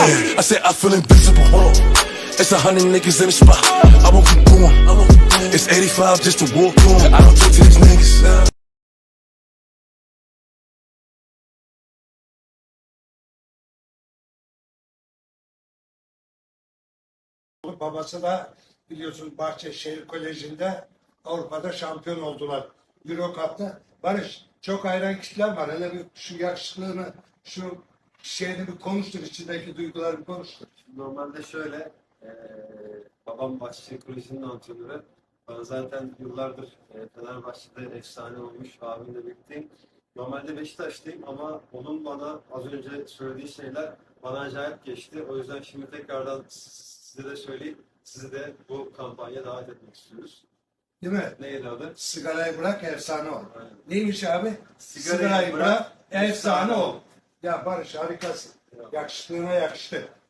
I said I feel invincible. It's 100 niggas in the spot. I won't keep going. It's 85 just to walk on. I don't talk to these niggas. Babası da biliyorsun Bahçeşehir Koleji'nde Avrupa'da şampiyon oldular. Euro Cup'ta. Barış, çok hayran kitler var. Hele bir şu yakışıklığını, şu şeyini bir konuştur, içindeki duyguları bir konuştur. Normalde şöyle, babam Bahçeşehir Koleji'nin antrenörü. Ben zaten yıllardır Fenerbahçe'de efsane olmuş abimle birlikteyim. Normalde Beşiktaş'tayım ama onun bana az önce söylediği şeyler bana acayip geçti. O yüzden şimdi tekrardan size de söyleyeyim, sizi de bu kampanya davet etmek istiyoruz. Değil mi? Neydi adı? Sigarayı bırak, efsane ol. Aynen. Neymiş abi? Sigarayı bırak, efsane efsane ol. ol. Ya Barış harikasın. Ya. Yakışıklığına yakıştı.